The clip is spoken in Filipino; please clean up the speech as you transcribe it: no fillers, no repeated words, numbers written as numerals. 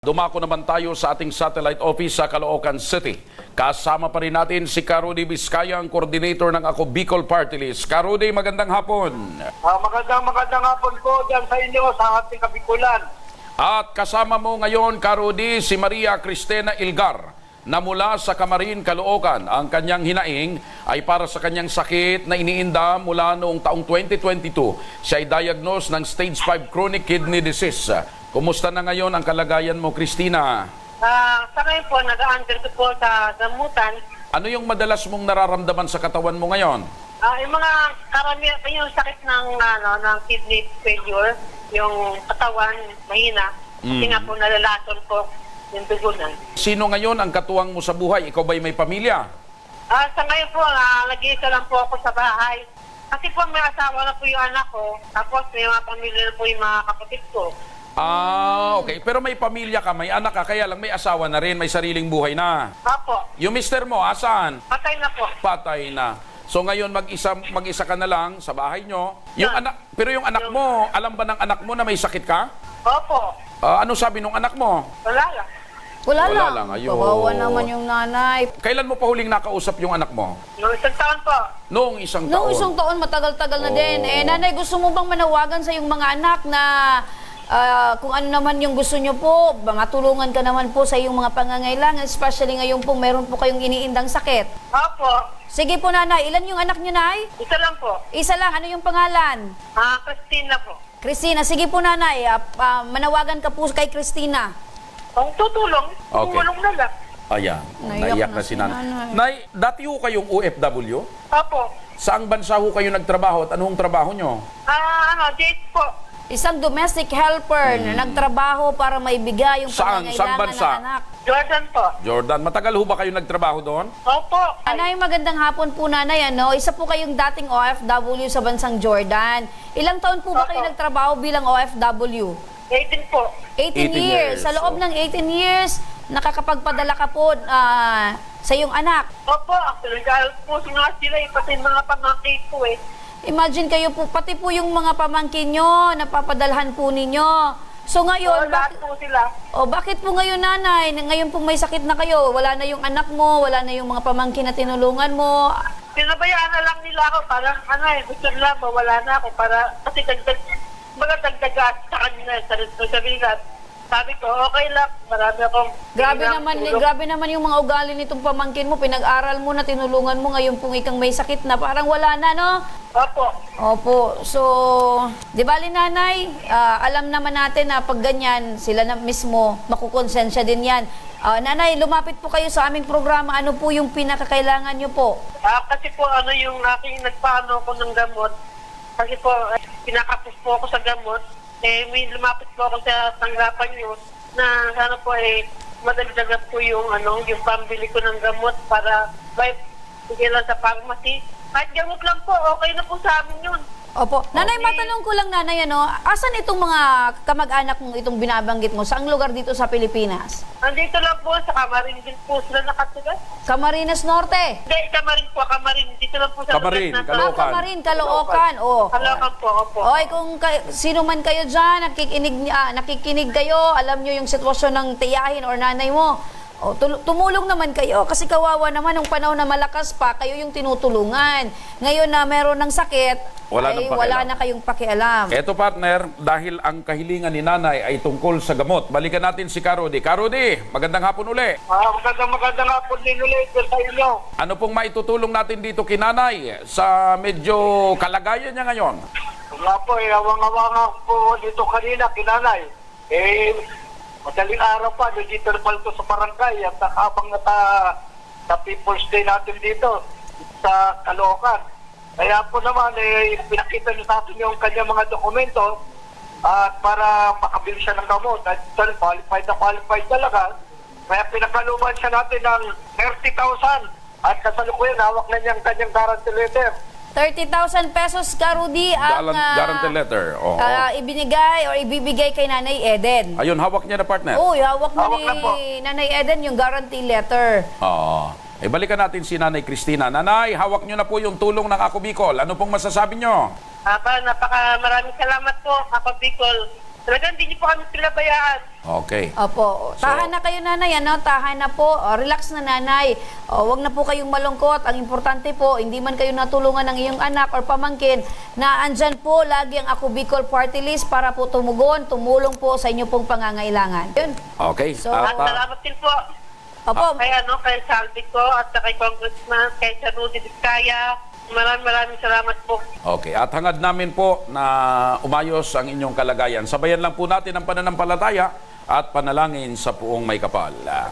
Dumako naman tayo sa ating satellite office sa Caloocan City. Kasama pa rin natin si Karudy Vizcaya, ang coordinator ng Ako Bicol Party List. Karudy, magandang hapon. Magandang hapon po dyan sa inyo, sa ating Kabikulan. At kasama mo ngayon, Karudy, si Maria Cristina Ilgar, na mula sa Camarin, Caloocan. Ang kanyang hinaing ay para sa kanyang sakit na iniinda mula noong taong 2022. Siya ay diagnosed ng stage 5 chronic kidney disease. Kumusta na ngayon ang kalagayan mo, Cristina? Sa ngayon po, nag-under po sa gamutan. Ano yung madalas mong nararamdaman sa katawan mo ngayon? Yung mga karamihan, yung sakit ng kidney failure, yung katawan, mahina. Kasi nga po, nalalason po yung dugunan. Sino ngayon ang katuwang mo sa buhay? Ikaw ba'y may pamilya? Sa ngayon po, nag-iisa lang po ako sa bahay. Kasi po, may asawa na po yung anak ko. Tapos, may mga pamilya na po yung mga kapatid ko. Okay. Pero may pamilya ka, may anak ka, kaya lang may asawa na rin, may sariling buhay na. Apo, Yung mister mo, asaan? patay na po. Patay na. So ngayon mag-isa ka na lang sa bahay nyo. Yung Yeah. pero yung anak mo, alam ba ng anak mo na may sakit ka? Opo, Ano sabi nung anak mo? wala lang. Wala Wala lang, lang. ayun. Kawawa naman yung nanay. Kailan mo pa huling nakausap yung anak mo? Noong isang taon po. Noong isang taon. Noong isang taon, matagal-tagal na din. Nanay, gusto mo bang manawagan sa iyong mga anak na kung ano naman yung gusto nyo po, matulungan ka naman po sa iyong mga pangangailangan, especially ngayon po meron po kayong iniindang sakit. Opo, Sige po, nanay. Ilan yung anak nyo, nay? isa lang po. Isa lang. Ano yung pangalan? Christina po. Christina. Sige po, nanay. Manawagan ka po kay Christina. Kung tutulong, Okay. tumulong na lang. Ayan, Naiyak naiyak na na si si nanay. nanay. Nay, dati ho kayong OFW? Opo. Saang bansa ho kayo nagtrabaho at anong trabaho nyo? Date po. Isang domestic helper na nagtrabaho para maibigay yung Saan pangangailangan bansa? ng anak. Jordan po. Jordan, matagal ho ba kayo nagtrabaho doon? Opo. Nanay, magandang hapon po, nanay. Isa po kayong dating OFW sa bansang Jordan. Ilang taon po ba kayo Opo. nagtrabaho bilang OFW? 18 po. 18 18 years. years, Sa loob ng 18 years, nakakapagpadala ka po sa iyong anak. Opo. Actually, dahil po nga sila, pati mga pamangkin po eh. Imagine kayo po, pati po yung mga pamangkin nyo, napapadalhan po ninyo. So ngayon, Lahat po sila. bakit po ngayon, nanay? Ngayon po may sakit na kayo, wala na yung anak mo, wala na yung mga pamangkin na tinulungan mo. Pinabayaan na lang nila ako. Parang gusto nila mawala na ako para, kasi dagdagas sa kanila, sa bigat. Sabi ko, okay lang, marami akong... Grabe naman yung mga ugali nitong pamangkin mo. Pinag-aral mo na, tinulungan mo, ngayon pong ikang may sakit na. Parang wala na, no? Opo. Opo. So, di bali, nanay, alam naman natin na pag ganyan, sila na mismo, makukonsensya din yan. Nanay, lumapit po kayo sa aming programa. Ano po yung pinakakailangan nyo po? Kasi po, yung aking nagpaano ko ng gamot, kasi po, pinakapos po ako sa gamot, may lumapit po ako sa tanggapan nyo na sana po madagdagan po yung pambili ko ng gamot para bigyan lang sa pharmacy. Kahit gamot lang po, okay na po sa amin yun. Opo. Nanay, Okay. matanong ko lang, nanay, asan itong mga kamag-anak mong itong binabanggit mo? Saang lugar dito sa Pilipinas? Andito lang po, sa Camarin din po sila nakatira. Camarines Norte. Hindi, Camarin. Dito lang po sa Camarin, lugar na- Caloocan. Camarin, Caloocan. Caloocan po, opo. Oy, kung sino man kayo dyan, nakikinig kayo, alam nyo yung sitwasyon ng tiyahin or nanay mo, tumulong naman kayo kasi kawawa naman nung panahon na malakas pa, kayo yung tinutulungan. Ngayon na meron ng sakit, Wala nang pakialam. wala na kayong pakialam. Eto, partner, dahil ang kahilingan ni nanay ay tungkol sa gamot. Balikan natin si Karudy. Karudy, magandang hapon uli. Magandang hapon din ulit sa inyo. Ano pong maitutulong natin dito kay nanay sa medyo kalagayan niya ngayon? Nga po, awang-awang po dito kanina, kinanay. Madaling araw pa, dito na pala sa barangay at habang sa People's Day natin dito sa Caloocan. Kaya po naman, pinakita niyo sa atin yung kanyang mga dokumento at para makabili siya ng gamot. At qualified talaga. Kaya pinakaluman siya natin ng 30,000 at kasalukuyan, hawak na niyang kanyang guarantee letter. 30,000 pesos, Karudy, ang Guarantee letter. Oo. ibinigay or ibibigay kay Nanay Eden. Ayun, hawak niya na, partner. Oo, hawak na Hawak na po. ni Nanay Eden yung guarantee letter. Oo. Balikan natin si Nanay Cristina. Nanay, hawak niyo na po yung tulong ng Ako Bicol. Ano pong masasabi niyo? Maraming salamat po, Papa Bicol. Talagang hindi niyo po kami pinabayaan. Okay. Opo. Tahan na kayo, nanay, ano? Tahan na po. Relax na, nanay. Huwag na po kayong malungkot. Ang importante po, hindi man kayo natulungan ng iyong anak or pamangkin, na andyan po lagi ang Ako Bicol Party List para po tumugon, tumulong po sa inyo pong pangangailangan. Yun. Okay. So, At salamat din po Opo. kay Salvi ko at kay Congressman, kay Sir Rudy Vizcaya. Maraming salamat po. Okay, at hangad namin po na umayos ang inyong kalagayan. Sabayan lang po natin ang pananampalataya at panalangin sa Puong May Kapal.